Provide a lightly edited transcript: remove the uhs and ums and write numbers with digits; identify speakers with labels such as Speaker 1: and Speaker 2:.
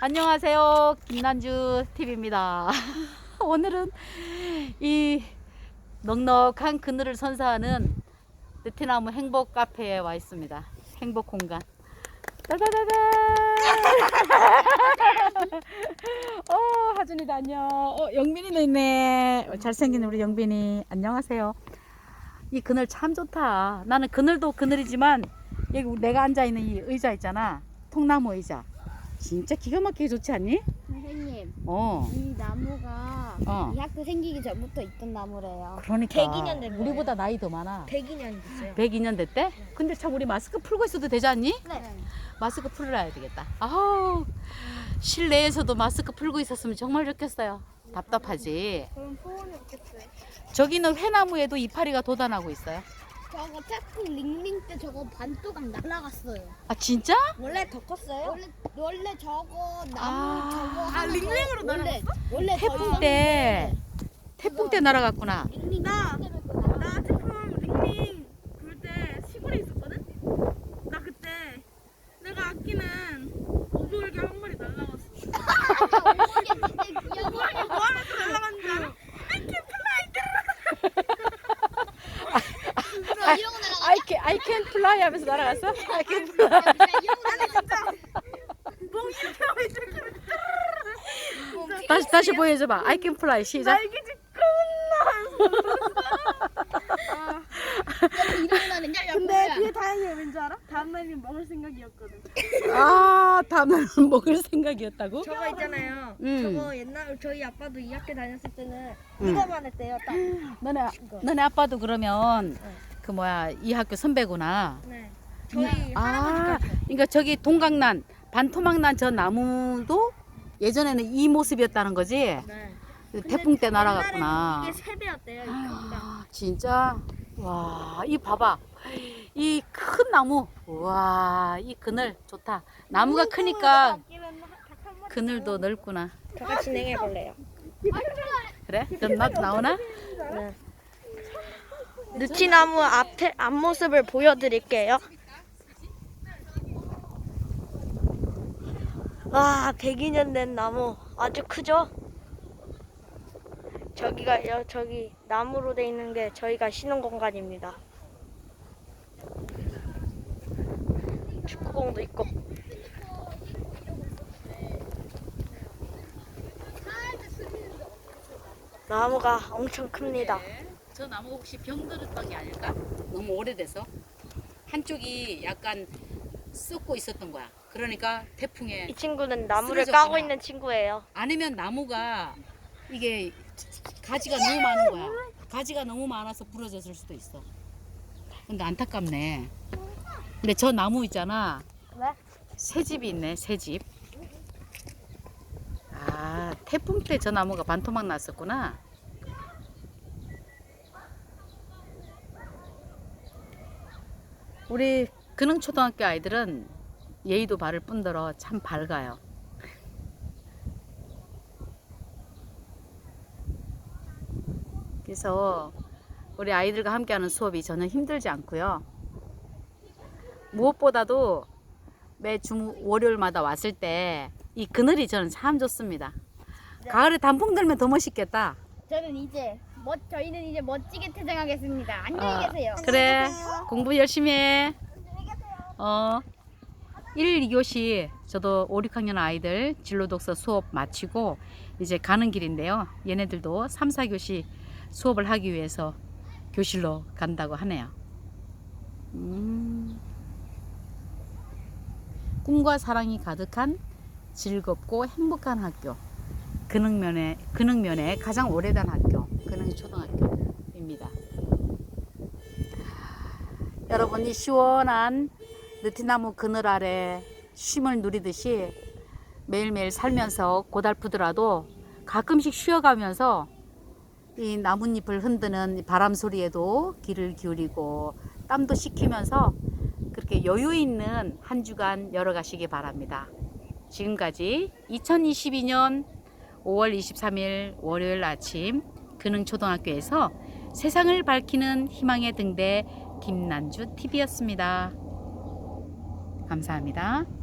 Speaker 1: 안녕하세요. 김난주 TV입니다. 오늘은 이 넉넉한 그늘을 선사하는 느티나무 행복 카페에 와 있습니다. 행복 공간. 따다다다. 하준이도 안녕. 영빈이도 있네. 잘생긴 우리 영빈이. 안녕하세요. 이 그늘 참 좋다. 나는 그늘도 그늘이지만 여기 내가 앉아 있는 이 의자 있잖아. 통나무 의자. 진짜 기가 막히게 좋지 않니?
Speaker 2: 선생님,
Speaker 1: 어.
Speaker 2: 이 나무가 이 학교 생기기 전부터 있던 나무래요.
Speaker 1: 그러니까
Speaker 2: 102년 된 거예요.
Speaker 1: 우리보다 나이 더 많아.
Speaker 2: 102년 됐어요.
Speaker 1: 102년 됐대? 근데 참 우리 마스크 풀고 있어도 되지 않니?
Speaker 2: 네.
Speaker 1: 마스크 풀어야 되겠다. 아우, 실내에서도 마스크 풀고 있었으면 정말 좋겠어요. 답답하지.
Speaker 2: 그럼 소원이 없겠어요.
Speaker 1: 저기는 회나무에도 이파리가 돋아나고 있어요.
Speaker 2: 저거 태풍 링링 때 저거 반토막 날아갔어요.
Speaker 1: 아 진짜?
Speaker 2: 원래 더 컸어요? 원래 저거 나무
Speaker 1: 아.
Speaker 2: 저거 링링으로 날아갔어? 원래
Speaker 1: 태풍 때 날아갔구나.
Speaker 2: 링링
Speaker 3: 나 태풍 링링 불 때 시골에 있었거든? 나 그때 내가 아끼는 오돌개 한 마리 날라갔어. 뭐 하면서 날라갔는지 알아?
Speaker 2: 이러고
Speaker 1: I can fly 하면서 날아갔어? I can fly.
Speaker 3: 아니 진짜 멍 이렇게 하고 이렇게
Speaker 1: 다시 보여줘봐. I can fly. 시작.
Speaker 3: 날개짓
Speaker 2: 일어나는
Speaker 3: 근데 그게 다행이야. 왠지 알아? 다음날은 먹을 생각이었거든.
Speaker 1: 아, 다음날 먹을 생각이었다고?
Speaker 3: 저거 있잖아요.
Speaker 1: 음.
Speaker 3: 저거 옛날 저희 아빠도 이 학교 다녔을 때는
Speaker 1: 음.
Speaker 3: 이거만 했대요. 딱.
Speaker 1: 너네 아빠도 그러면 그 뭐야 이 학교 선배구나.
Speaker 3: 네. 저희
Speaker 1: 아,
Speaker 3: 할아버지까지.
Speaker 1: 그러니까 저기 동강난 반토막 난 저 나무도 예전에는 이 모습이었다는 거지.
Speaker 3: 네.
Speaker 1: 태풍 때 날아갔구나.
Speaker 3: 이게 3배였대요. 이 크기가.
Speaker 1: 아, 진짜 와, 이 봐봐. 이 큰 나무. 와, 이 그늘 좋다. 나무가 크니까 그늘도 넓구나.
Speaker 3: 제가 진행해 볼래요.
Speaker 1: 그래? 그럼 나도 나오나?
Speaker 3: 네. 느티나무 앞모습을 보여드릴게요. 와, 102년 된 나무 아주 크죠? 저기 나무로 돼 있는 게 저희가 쉬는 공간입니다. 축구공도 있고. 나무가 엄청 큽니다.
Speaker 1: 저 나무 혹시 병들었던 게 아닐까? 너무 오래돼서 한쪽이 약간 썩고 있었던 거야. 그러니까 태풍에
Speaker 3: 이 친구는 나무를
Speaker 1: 쓰러졌구나.
Speaker 3: 까고 있는 친구예요.
Speaker 1: 아니면 나무가 이게 가지가 너무 많은 거야. 가지가 너무 많아서 부러졌을 수도 있어. 근데 안타깝네. 근데 저 나무 있잖아.
Speaker 3: 네?
Speaker 1: 새 집이 있네. 새 집. 아, 태풍 때 저 나무가 반토막 났었구나. 우리 근흥초등학교 아이들은 예의도 바를 뿐더러 참 밝아요. 그래서 우리 아이들과 함께하는 수업이 전혀 힘들지 않고요. 무엇보다도 매 월요일마다 왔을 때 이 그늘이 저는 참 좋습니다. 가을에 단풍 들면 더 멋있겠다.
Speaker 2: 저희는 이제 멋지게 퇴장하겠습니다. 안녕히 계세요.
Speaker 1: 그래, 공부 열심히 해. 1, 2교시 저도 5, 6학년 아이들 진로독서 수업 마치고 이제 가는 길인데요. 얘네들도 3, 4교시 수업을 하기 위해서 교실로 간다고 하네요. 꿈과 사랑이 가득한 즐겁고 행복한 학교, 근흥면에 가장 오래된 학교, 근흥초등학교입니다. 여러분이 시원한 느티나무 그늘 아래 쉼을 누리듯이 매일매일 살면서 고달프더라도 가끔씩 쉬어가면서 이 나뭇잎을 흔드는 바람 소리에도 귀를 기울이고 땀도 식히면서 그렇게 여유 있는 한 주간 열어가시기 바랍니다. 지금까지 2022년 5월 23일 월요일 아침 근흥초등학교에서 세상을 밝히는 희망의 등대 김난주 TV였습니다. 감사합니다.